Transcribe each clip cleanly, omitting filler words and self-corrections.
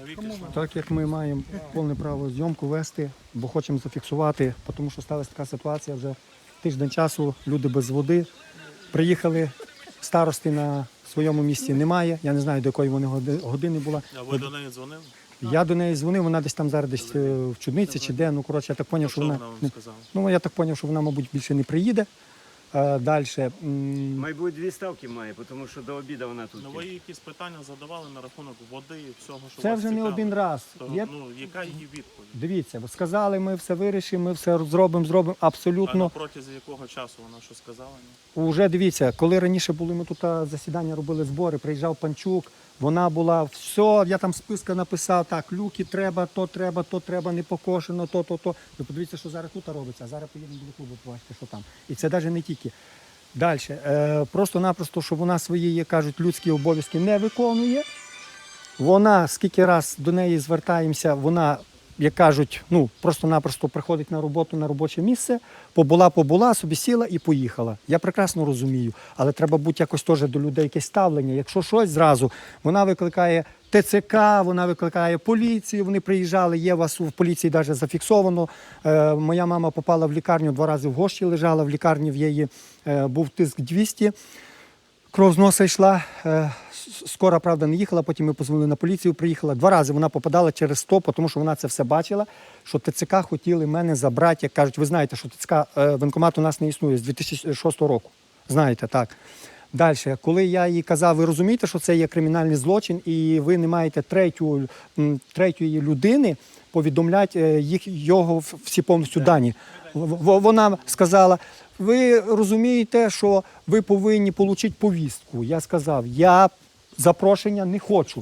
Так як ми маємо повне право зйомку вести, бо хочемо зафіксувати, тому що сталася така ситуація вже тиждень часу, люди без води. Приїхали, старости на своєму місці немає, я не знаю, до якої вони години була. А ви до неї дзвонили? Я до неї дзвонив, вона десь там зараз десь в Чудниці чи де, ну коротше, я так зрозумів, що вона... вам сказала? Ну, я так зрозумів, що вона, мабуть, більше не приїде. Далі. Мабуть, 2 ставки має, тому що до обіду вона тут. Ну, ви їй якісь питання задавали на рахунок води і всього, що Це вас вже не цікавить? один раз. То, ну, яка її відповідь? Дивіться, сказали, ми все вирішимо, ми все зробимо, А абсолютно. на протязі якого часу вона що сказала? Уже дивіться, коли раніше були, ми тут засідання робили збори, приїжджав Панчук, вона була, все, я там списка написав, так, люки треба, то треба, не покошено, то. Ви подивіться, що зараз тут робиться, а зараз поїдемо до клубу, побачите, що там. І це навіть не тільки. Далі, просто-напросто, що вона свої, як кажуть, людські обов'язки не виконує. Вона, скільки раз до неї звертаємося, вона, як кажуть, ну, просто-напросто приходить на роботу, на робоче місце, побула, собі сіла і поїхала. Я прекрасно розумію, але треба бути якось теж до людей якесь ставлення. Якщо щось зразу, вона викликає ТЦК, вона викликає поліцію, вони приїжджали, є у вас в поліції навіть зафіксовано. Моя мама попала в лікарню, 2 рази в Гощі лежала, в лікарні в її був тиск 200. Кров з носа йшла, скоро, правда, не їхала, потім ми позвонили на поліцію, приїхала. 2 рази вона попадала через 100, тому що вона це все бачила, що ТЦК хотіли мене забрати. Як кажуть, ви знаєте, що ТЦК, воєнкомат у нас не існує з 2006 року. Знаєте, так. Далі, коли я їй казав, ви розумієте, що це є кримінальний злочин, і ви не маєте третьої людини повідомляти його всі повністю дані. Вона сказала, ви розумієте, що ви повинні отримати повістку. Я сказав, я запрошення не хочу.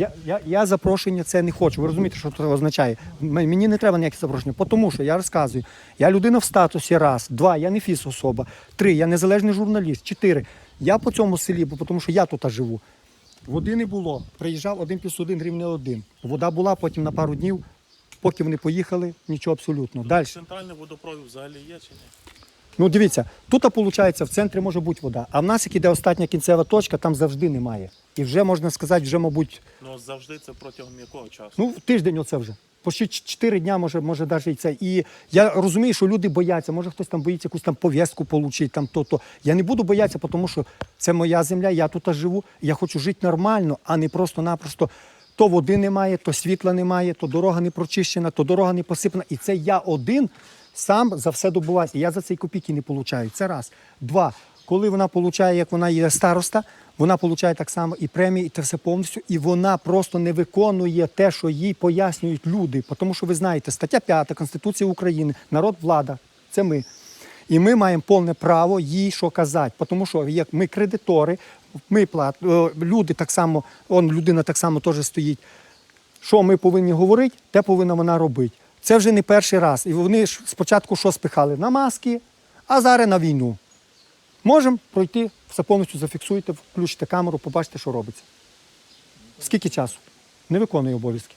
Я запрошення це не хочу. Ви розумієте, що це означає? Мені не треба ніяких запрошення, тому що я розказую, я людина в статусі, 1, 2, я не фізособа, 3, я незалежний журналіст, 4, я по цьому селі, тому що я тут живу. Води не було. Приїжджав 1+1 рівне 1. Вода була, потім на пару днів, поки вони поїхали, нічого абсолютно. Далі. Центральний водопровід взагалі є чи ні? Ну дивіться, тут, виходить, в центрі може бути вода, а в нас, як іде остання кінцева точка, там завжди немає. І вже, можна сказати, вже, мабуть... Ну, завжди це протягом якого часу? Ну, тиждень оце вже. Почти 4 дня, може навіть і це. І я розумію, що люди бояться, може хтось там боїться якусь там пов'язку отримати, там то. Я не буду боятися, тому що це моя земля, я тут живу, я хочу жити нормально, а не просто-напросто то води немає, то світла немає, то дорога не прочищена, то дорога не посипана. І це я один сам за все добуваюся. І я за це і копійки не отримую. Це раз. 2. Коли вона отримує, як вона є староста, вона отримує так само і премії, і це все повністю. І вона просто не виконує те, що їй пояснюють люди. Тому що ви знаєте, стаття 5 Конституції України, народ, влада – це ми. І ми маємо повне право їй що казати. Тому що як ми кредитори, ми люди так само, людина так само теж стоїть. Що ми повинні говорити, те повинна вона робити. Це вже не перший раз. І вони ж спочатку що спихали? На маски, а зараз на війну. Можемо пройти, все повністю зафіксуйте, включите камеру, побачите, що робиться. Скільки часу? Не виконує обов'язки.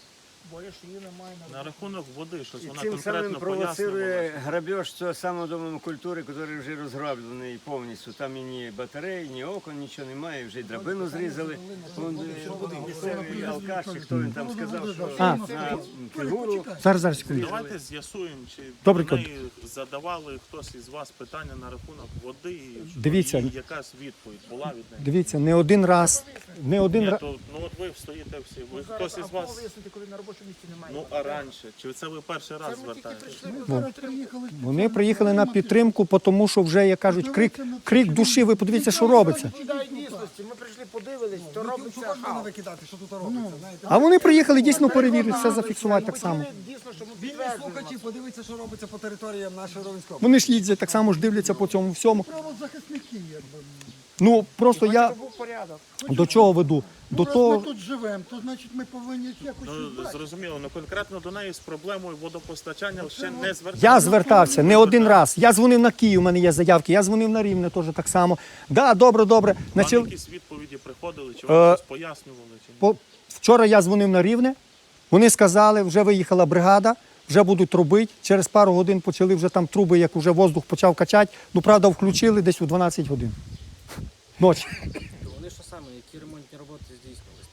На рахунок води, щось І вона цим самим конкретно провоцирує пояснювала. грабеж цього самого дому культури, який вже розграблений повністю. Там і ні батарей, ні окон, нічого немає, вже й драбину зрізали. Місцевий алкаш, чи хто він там сказав, що на фігуру. Зараз, секунду. Давайте з'ясуємо, чи Добре, до неї задавали хтось із вас питання на рахунок води, і Дивіться. і якась відповідь була від неї. Дивіться, не один раз. Ні, то, ну от ви стоїте всі, ви хтось із вас, коли на робочому місці немає. ну а раніше, чи це ви перший раз звертаєтесь? Вони приїхали на підтримку, тому що вже, як кажуть, крик душі, ви подивіться, що робиться. Відповідає дійсності. Ми прийшли, подивились, то робиться. Можна викидати, що тут робиться, знаєте. А вони приїхали дійсно перевірити, все зафіксувати так само. Дійсно, що ми Вільні підтверджуємо. слухачі, подивіться, що робиться по територіям нашої Ровенської. Вони ж їздять, так само ж дивляться по цьому всьому. Правозахисники, якби. Ну, просто я Був порядок. до чого веду? До Раз ми того, тут живемо, то значить ми повинні якось Ну, щось брати. зрозуміло, ну конкретно до неї з проблемою водопостачання ще не зверталися. я звертався не один раз. Я дзвонив на Київ, у мене є заявки, я дзвонив на Рівне теж так само. Да, добре. Вам Начали... якісь відповіді приходили, чи вам щось пояснювали? Чи ні? Вчора я дзвонив на Рівне, вони сказали, вже виїхала бригада, вже будуть робити. Через пару годин почали вже там труби, як вже воздух почав качати. Ну, правда, включили десь у 12 годин. Ночі. Вони що саме, які ремонтні роботи здійснювалися? Там що,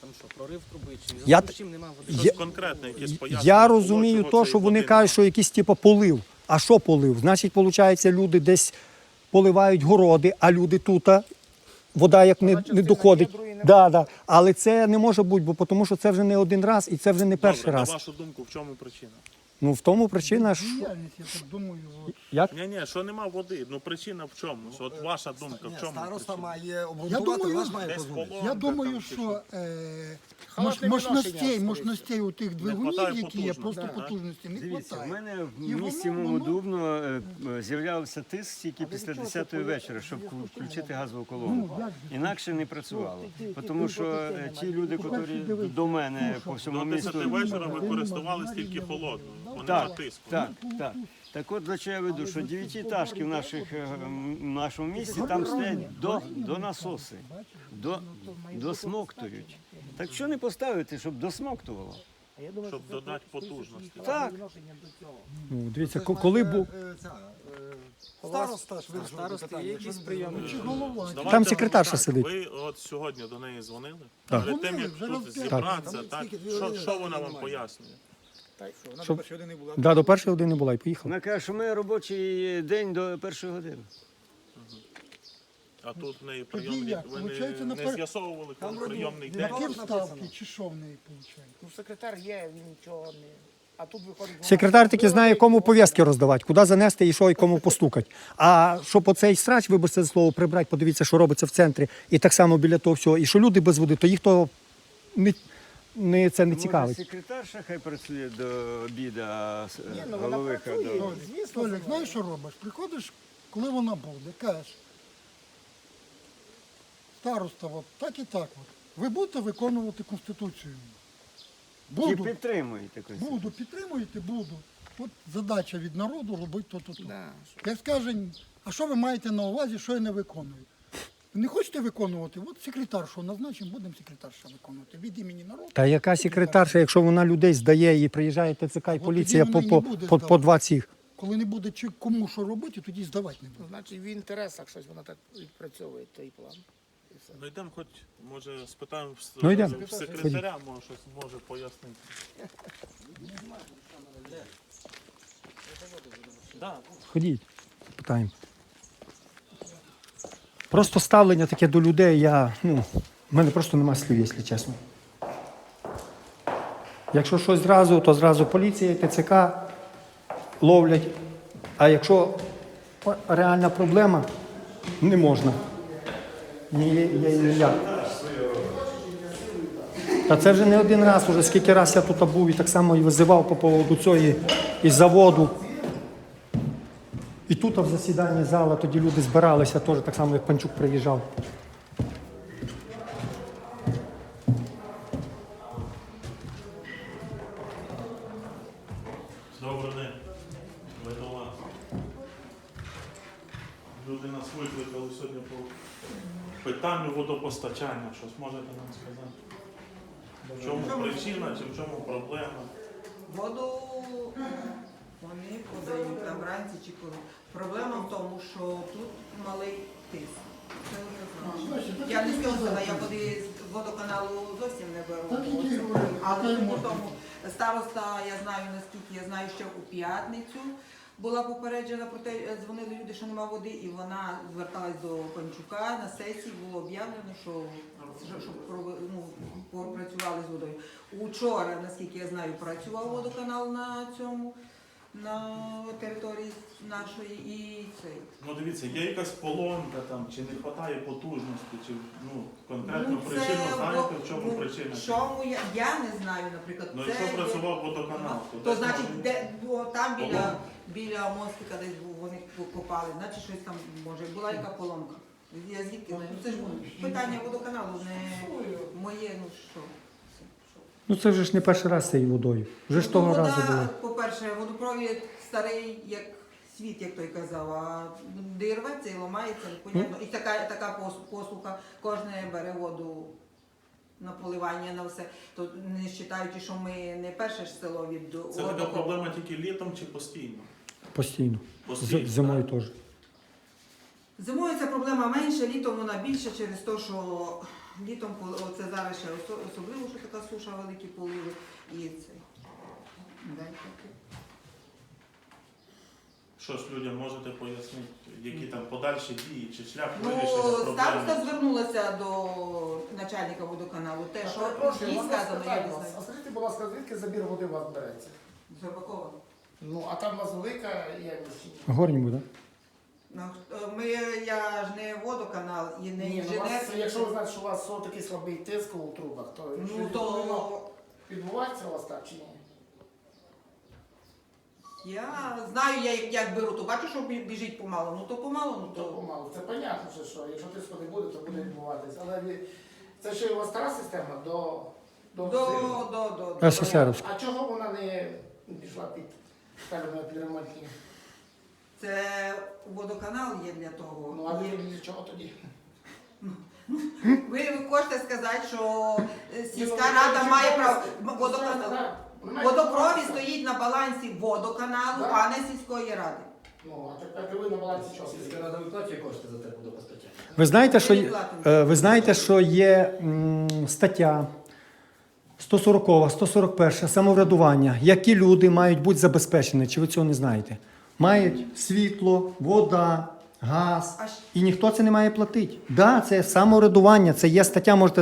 порив труби, чи в Я зв'язку т- з чим немає води? Щось Я- конкретне, якесь пояснення. Я було, розумію чого то, цей що вони води кажуть, що якийсь типу полив. А що полив? Значить, виходить, люди десь поливають городи, а люди тут, вода як не доходить. Да. Але це не може бути, бо тому що це вже не один раз і це вже не перший Добре, раз. на вашу думку, в чому причина? Ну в тому причина, що Діяльність, я так думаю, от. як Ні, що нема води. Ну причина в чому? Що от ваша думка, в чому Староста причина? має обґрунтувати, думаю, наш має Десь позвонити. поломка Я думаю, там чи що Халатне мощностей у тих двигунів, хватає які є, потужності, просто так? потужності не Дивіться, в вистачає. мене І в місті воно- мому Дубно з'являвся тиск тільки після 10-ї вечора, щоб включити газову колону. Інакше не працювало. Тому що ті люди, які до мене по всьому До 10 місту... вечора ви користувались тільки холодною, бо нема Так, тиску. так. Так от, до чого я веду, що 9-етажки в нашому місті там стоять до насоси, досмоктують. Так що не поставити, щоб досмоктувало? Щоб додати потужності. Так. ну, дивіться, коли був Староста ж вирішив Старости питання. є якісь прийоми? Чи голова? Давайте Там секретарша так, сидить. Ви от сьогодні до неї дзвонили? Так. Перед тим, як Дзвонили, вже тут раз зібратися, п'ять. так? Скільки? Що вона вам пояснює? Щоб... до першої години була і поїхала. Вона каже, що ми робочий день до першої години. А тут в неї Тоді прийомний, як? ви Получається, не з'ясовували, коли прийомний день? Які вставки, чи що в неї виходить? Ну, секретар є, він нічого не. А тут виходить. Секретар таки знає, кому пов'язки роздавати, куди занести і що, і кому постукати. А щоб оцей срач, вибачте за слово, прибрати, подивіться, що робиться в центрі, і так само біля того всього, і що люди без води, то їх то це не цікавить. Може, секретарша хай працює до обіду, а ну, вона головиха працює. до... Звісно, Толік, знаєш, що робиш? Приходиш, коли вона буде, кажеш, староста, от так і так. От. Ви будете виконувати Конституцію? Чи Буду. підтримуєте Конституцію? Буду, підтримуєте, буду. От задача від народу робити то-то. Да. Як скаже, а що ви маєте на увазі, що я не виконую? Не хочете виконувати? От секретаршу назначимо, будемо секретарша виконувати. Від імені народу. Та яка секретарша, якщо вона людей здає і приїжджає ТЦК і поліція тоді вона по і не буде по здавати. два цих. Коли не буде чи кому що робити, тоді здавати не буде. Ну, значить, в інтересах щось вона так відпрацьовує той план. І все. Ну йдемо хоч, може, спитаємо Ну, йдемо. в секретаря, може щось може пояснити. Ходіть, питаємо. Просто ставлення таке до людей, в мене просто немає слів, якщо чесно. Якщо щось зразу, то зразу поліція, ТЦК ловлять. А якщо реальна проблема, не можна. Ніяк. Та це вже не один раз, уже скільки раз я тут був і так само і визивав по поводу цього і заводу. І тут в засіданні зала тоді люди збиралися, теж так само, як Панчук приїжджав. Добрий день. Ви до вас. Люди нас викликали сьогодні по питанню водопостачання. Щось можете нам сказати? В чому причина чи в чому проблема? Воду вони подають там вранці чи коли. Проблема в тому, що тут малий тиск. Це однозначно. Я не сказала, я води з водоканалу зовсім не беру. Але тому староста, я знаю, наскільки я знаю, що у п'ятницю була попереджена про те, дзвонили люди, що нема води, і вона зверталась до Панчука. На сесії було об'явлено, що щоб попрацювали з водою. Учора, наскільки я знаю, працював водоканал на території нашої і цей. Ну дивіться, є якась поломка там, чи не вистачає потужності, чи конкретну це причину знаєте, в чому ну, причина? в чому я не знаю, наприклад. Ну це якщо є- працював водоканал, то То десь значить, може- де там Поломка. біля мостика десь вони копали, значить щось там може була яка поломка. Я звідки знаю? Ну, це ж питання водоканалу, не моє, ну що. Ну це вже ж не перший раз з цією водою. Вже ж того Вода, разу було. по-перше, водопровід старий, як світ, як той казав, а де рветься і ламається, непонятно. І така послуга, кожне бере воду на поливання, на все. То не вважаючи, що ми не перше ж село від Це така проблема тільки літом чи постійно? Постійно. Постійно, Зимою так? теж. Зимою ця проблема менша, літом вона більша через те, що Літом, це зараз ще особливо, що така суша, великі поливи. І це. Щось людям можете пояснити, які там подальші дії чи шлях Ну, вирішення проблеми? староста звернулася до начальника водоканалу. Те, що Перепрошую, їй можна сказано, я спитати не вас? знаю. А скажіть, будь ласка, звідки забір води у вас береться? Зарбакова. Ну, а там у вас велика ємність? Горні буде. Ну, я ж не водоканал і не Ні, ну, у інженер. вас, якщо ви знаєте, що у вас такий слабий тиск у трубах, то Ну, щось то повинно відбувається у вас так чи ні? я знаю, як беру, то бачу, що біжить помало. Ну то помало, ну То то. помалу. Це понятно, що якщо тиску не буде, то буде відбуватися. Але це ще у вас стара система до До. СССРівська. А чого вона не пішла під, скажімо, під ремонтні? Це водоканал є для того. Ну, а Є. для чого тоді? Ви хочете сказати, що сільська Ну, рада чи має просто- право. Водоканал. Так, вона має Водопровід право. стоїть на балансі водоканалу, Так. а не сільської ради. Ну, а тепер ви на балансі чого? Сільська рада виплачує кошти за те водопостачання. Ви знаєте, що є стаття 140, 141 самоврядування, які люди мають бути забезпечені, чи ви цього не знаєте? Мають світло, вода, газ, А ж- і ніхто це не має платити. Да, це самоврядування, це є стаття, можете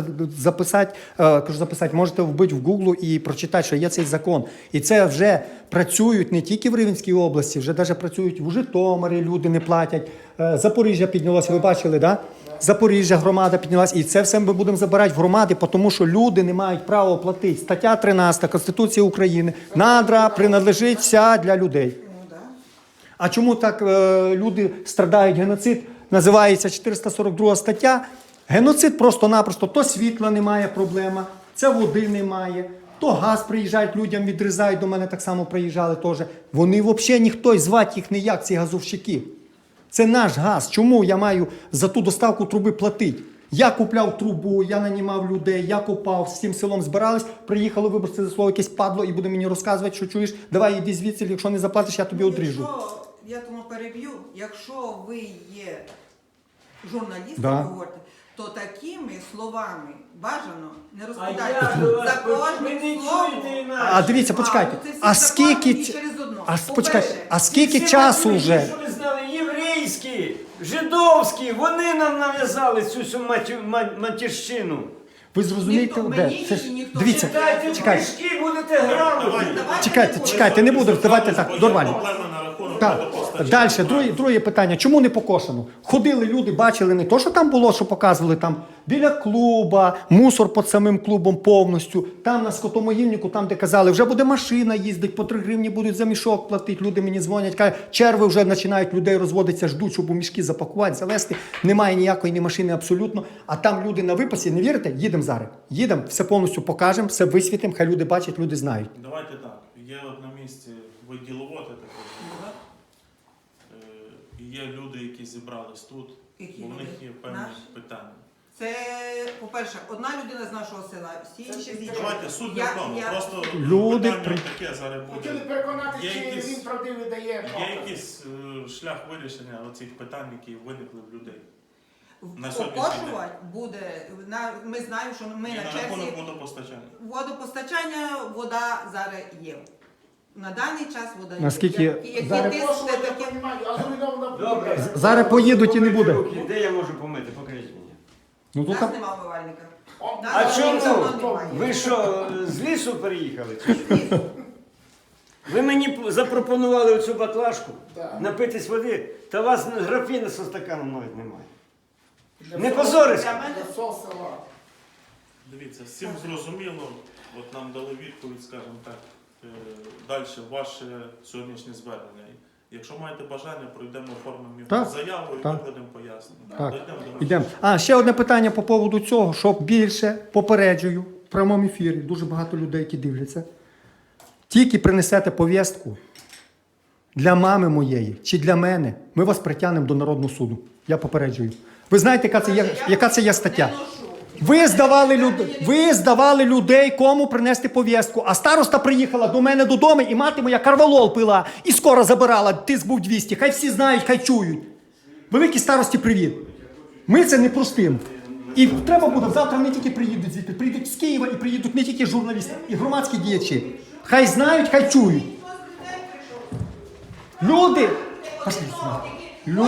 записати, можете вбити в Google і прочитати, що є цей закон. І це вже працюють не тільки в Рівненській області, вже навіть працюють в Житомирі, люди не платять. Запоріжжя піднялося, ви бачили, да? Запоріжжя громада піднялася, і це все ми будемо забирати в громади, тому що люди не мають права платити. Стаття 13 Конституції України. Надра принадлежить вся для людей. Ну, да. А чому так люди страдають геноцид? Називається 442 стаття. Геноцид просто-напросто. То світла немає, проблема, це води немає, то газ приїжджають, людям відрізають, до мене так само приїжджали теж. Вони взагалі ніхто, і звати їх ніяк, ці газовщики. Це наш газ. Чому я маю за ту доставку труби платити? Я купляв трубу, я нанімав людей, я копав, з цим селом збирались, приїхало, вибачте за слово, якесь падло і буде мені розказувати, що чуєш, давай іди звідси, якщо не заплатиш, я тобі одріжу. Якщо, я тому переб'ю, якщо ви є журналістом, Да. ви говорите, то такими словами бажано не А розповідати я до вас за кожним ви не словом. чуєте А інакше. дивіться, почекайте, це всі а закони скільки, і через одно. почекайте, По-перше, а скільки Всі часу ви вже? Що ви знали, єврейські, жидовські, вони нам нав'язали цю всю матірщину. Ви зрозумієте, Ніхто, де? мені Це ж, ніхто дивіться, не Читайте чекайте. книжки, будете грамотні. Чекайте, не буду, давайте так, нормально. Проблеми на рахунок Так, водопостачання. далі, друге питання. Чому не покошено? Ходили люди, бачили не то, що там було, що показували там біля клуба, мусор під самим клубом повністю, там на скотомогильнику, там, де казали, вже буде машина їздить, по 3 гривні будуть за мішок платити. Люди мені дзвонять, кажуть, черви вже починають людей розводитися, ждуть, щоб у мішки запакувати, завести. Немає ніякої ні машини абсолютно. А там люди на випасі, не вірите? Їдемо зараз. Їдемо, все повністю покажемо, все висвітимо, хай люди бачать, люди знають. Давайте так. Є от на місці ви діловоди таке. Є люди, які зібрались тут, Які бо в них люди? є певні Наші? питання. Це, по-перше, одна людина з нашого села, всі інші з іншого. Давайте суть не в тому. Просто Люди питання таке зараз Хотіли буде. переконати, Є чи якісь- він правдивий дає Є докази. якийсь шлях вирішення оцих питань, які виникли в людей. На сьогоднішній Окошувати буде, ми знаємо, що ми І на на черзі рахунок водопостачання. водопостачання, вода зараз є. На даний час вода є. Наскільки Які зараз- тиск, Прошу, я таке. розумію, а зруйнована Добре. Зараз поїдуть і не буде. Руки. Де я можу помити? Покажіть мені. Ну, У тут нас там... немає умивальника. О, А Нас чому? давно немає. Ви що, з лісу переїхали? чи що? Ви мені запропонували оцю баклажку, Так. напитись води, та у вас графіна зі стаканом навіть немає. для Не всього- позорися. Для всього села. Дивіться, всім зрозуміло, от нам дали відповідь, скажімо так, далі ваше сьогоднішнє звернення. Якщо маєте бажання, пройдемо оформимо Так, заяву і так. викладемо пояснення. Так, Дійдемо до ідемо. А, ще одне питання по поводу цього, що більше попереджую в прямому ефірі, дуже багато людей, які дивляться. Тільки принесете повістку для мами моєї чи для мене, ми вас притягнемо до Народного суду. Я попереджую. Ви знаєте, яка це є стаття? Ви здавали людей, кому принести повістку. А староста приїхала до мене додому, і мати моя карвалол пила, і скоро забирала, тиск був 200. Хай всі знають, хай чують. Великій старості привіт. Ми це не простимо. І треба буде, завтра не тільки приїдуть звідти, приїдуть з Києва і приїдуть не тільки журналісти, і громадські діячі. Хай знають, хай чують. Люди, пошли сюди.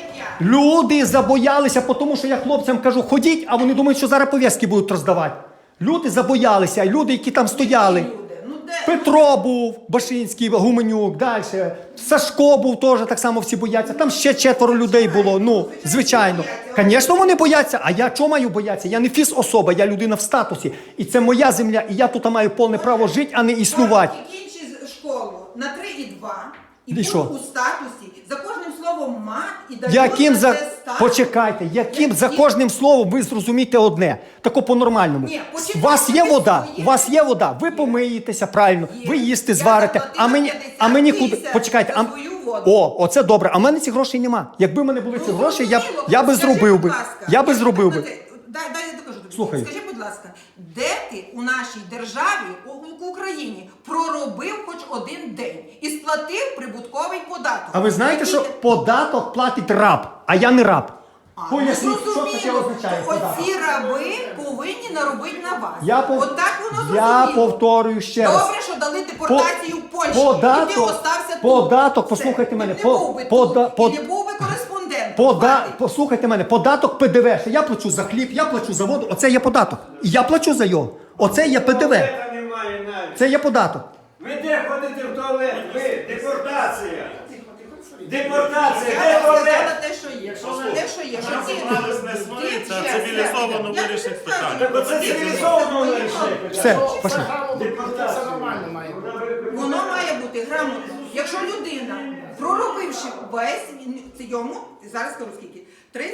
Люди забоялися, тому що я хлопцям кажу, ходіть, а вони думають, що зараз пов'язки будуть роздавати. Люди забоялися, люди, які там стояли. Петро був, Башинський, Гуменюк, далі. Сашко був теж, так само всі бояться. Там ще 4 людей було, ну, звичайно. Звісно, вони бояться, а я чого маю боятися? Я не фіз-особа, я людина в статусі. І це моя земля, і я тут маю повне право жити, а не існувати. Кінчи школу на 3,2 і І був що? у статусі, за кожним словом мат і дають Яким на за... це статус. Почекайте, яким за кожним словом ви зрозумієте одне, тако по-нормальному. Ні, У почекайте, вас є ви вода, своє. у вас є вода, ви помиєтеся правильно, Є. ви їсти Я зварите, заплатила а мені 50 куди? тисяч Почекайте, за свою воду. оце добре, а в мене цих грошей нема. Якби в мене були ці гроші, Зрозуміло. я би Скажи, зробив будь би. ласка, Я би я зробив би. Дай я докажу тобі. Слухаю. Скажи, будь ласка, де ти у нашій державі, у Україні, проробив хоч один день і сплатив прибутковий податок? А ви знаєте, Який що ти- податок платить раб, а я не раб. А, Поясніть, ну, що таке зрозуміло, означає що податок. оці раби повинні наробити на вас. Я Отак воно я зрозуміло. повторюю ще раз. Добре, що дали депортацію в Польщу, і ти остався тут. податок, Все. послухайте мене, Ти не був би тут, і не був би кореспондентом. Хватить. Послухайте мене, податок ПДВ, що я плачу за хліб, я плачу за воду, оце є податок. І я плачу за його. Оце є ПДВ. Туалета немає навіть. Це є податок. Ви де ходите в туалет? Ви, депортація. Депортація, де Я туалет? сказала те, що є. Те, що є. Що ти- Збирались не ти сваритися, а чесно. цивілізовано Я вирішити тобі питання. скажу. Так оце цивілізовано вирішити. Все, пошли. Все нормально має бути. Воно має бути грамотно. Якщо людина, проробивши весь йому, зараз скажу скільки,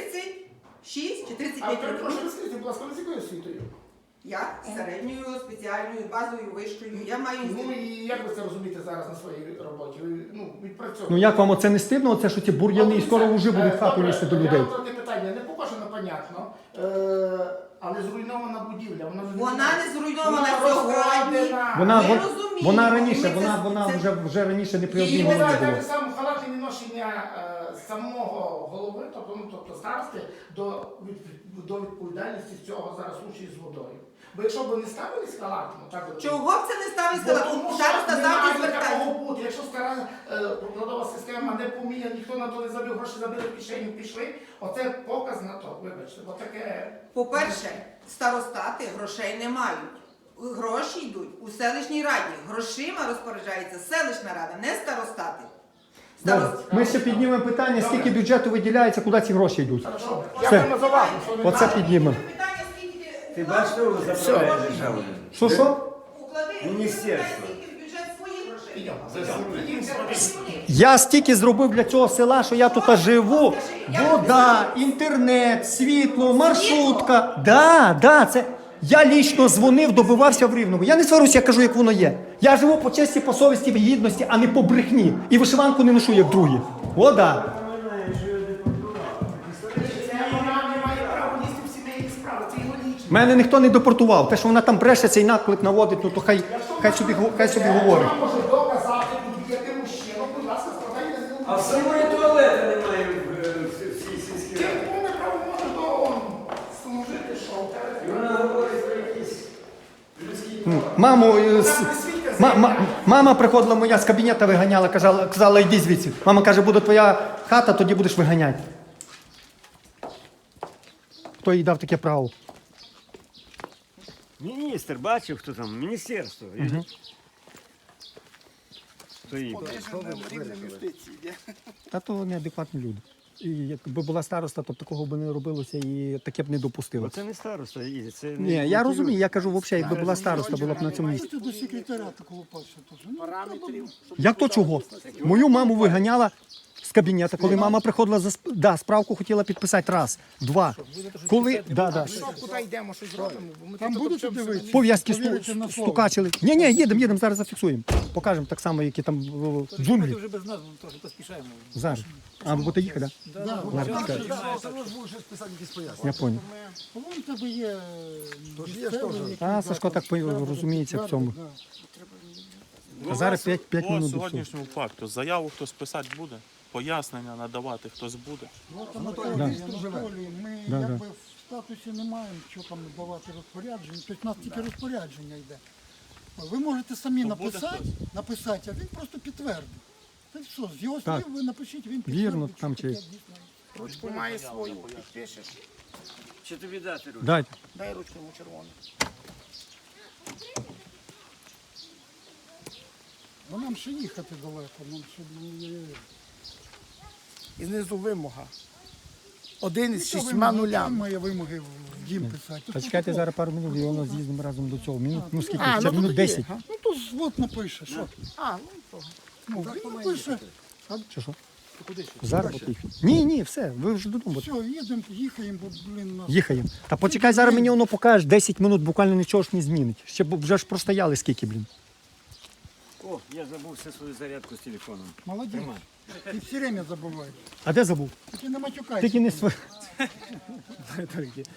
36 чи А 35 років. перепрошую, скажіть, будь ласка, з якою освітою? Я середньою, спеціальною, базовою, вищою. Я маю Ну і як ви це розумієте зараз на своїй роботі? Ви відпрацьовуєте. Ну як вам оце не стидно, оце що ці бур'яни і скоро вже будуть в хату лізти до людей? Таке питання не покажено, понятно, але зруйнована будівля. Вона не зруйнована Вона сьогодні. розкрадена. Вона Ми розуміємо, вона раніше, ми це- вона це- вже раніше не при І одній ви голові знаєте, було. так само халатне відношення самого голови, тобто старости, до відповідальності з цього зараз случаю з водою. Бо якщо б не ставились халатно, так от. Чого б це не ставить Бо сказати? тому що Староста завжди немає звертається. такого бути. Якщо стара покладова система не поміняна, ніхто на то не забив, гроші забили в кишеню, пішли, оце показ на то, вибачте, бо таке... По-перше, старостати грошей не мають. Гроші йдуть у селищній раді. Грошима розпоряджається селищна рада, не старостати. Добре. Ми ще піднімемо питання, скільки бюджету виділяється, куди ці гроші йдуть. Хорошо. Все. Дякуємо за увагу. що ви Оце дали. піднімемо. Питання, скільки Ти бачиш, що заправляє державу? Що? уклади, Міністерство. скільки в бюджет своїх грошей. Йдемо. Я стільки зробив для цього села, що я тут живу. Вода, інтернет, світло, маршрутка. Да, це. Я лічно дзвонив, добивався в Рівному. Я не сварюся, я кажу, як воно є. Я живу по честі, по совісті, в гідності, а не по брехні. І вишиванку не ношу, як другі. О, да. Вона не має права лізти в сімейні справи, це його лічно. Мене ніхто не депортував. Те, що вона там бреше, цей наклик наводить, ну то хай собі говорить. Вона може доказати будь-який мужчина, будь ласка, складайте з ним. А в самої туалета немає в цій сільській Ти раді. повне право може до служити, що в І тебе. вона говорить про якісь людські права. Мама приходила моя з кабінету виганяла, казала, йди звідси. Мама каже, буде твоя хата, тоді будеш виганяти. Хто їй дав таке право? Міністр, бачив, хто там? Міністерство. Хто її? Та то неадекватні люди. І якби була староста, то такого б не робилося і таке б не допустило. Оце не староста, це не... Ні, я розумію, я кажу, взагалі, якби була староста, була б на цьому місці. Це до секретаря такого пальця теж. Як то чого? Мою маму виганяла з кабінету, коли мама приходила справку хотіла підписати раз, два. Коли, Куди йдемо, що зробимо? Бо ми Там тут будете обчемся. дивитися? пов'язки Повірите на слово. стукачили. Ні, їдемо, зараз зафіксуємо. Покажемо так само, які там в джунглі. Вже без нас трохи поспішаємо. Зараз. А ви будете їхати, так? Да, Ладно, чекай. Я понял. Вон в тебе є місцевий, який, А Сашко так розуміється в цьому. А зараз 5 По минут до всього. сьогоднішньому факту заяву хтось писати буде, пояснення надавати хтось буде. в протоколі ми Да, якби статусі не маємо, що там давати розпорядження. Тобто у нас тільки розпорядження йде. Ви можете самі То буде написати, а він просто підтвердить. Це все. З його Так. слів ви напишіть, він підтвердить. Вірно, що там таке чи- дійсно є. Ручку має свою, підпишеш. Чи тобі дати руку? Дайте. Дай ручку йому червону. Бо нам ще їхати далеко, нам ще І знизу вимога. 1 із Яка 6 вимога? нулями. Має вимоги в дім писати. Почекайте зараз пару минут, і воно з'їздимо разом до цього. Минут, ну скільки? А, Ще ну минут тоді, 10. га? Ну то от напише, що? А, ну то. Ну, він напише. Чи що? Зараз поїхали. Ні, все, ви вже додому. Все, їхаємо, бо, блін, нас... Їхаємо. Та почекай, зараз мені воно покажеш, 10 минут буквально нічого ж не змінить. Ще вже ж простояли скільки, блін. О, я забув все свою зарядку з телефоном. Молодець. Ти все время забуваєш. А де забув? Тільки не матюкайся. Тільки не св...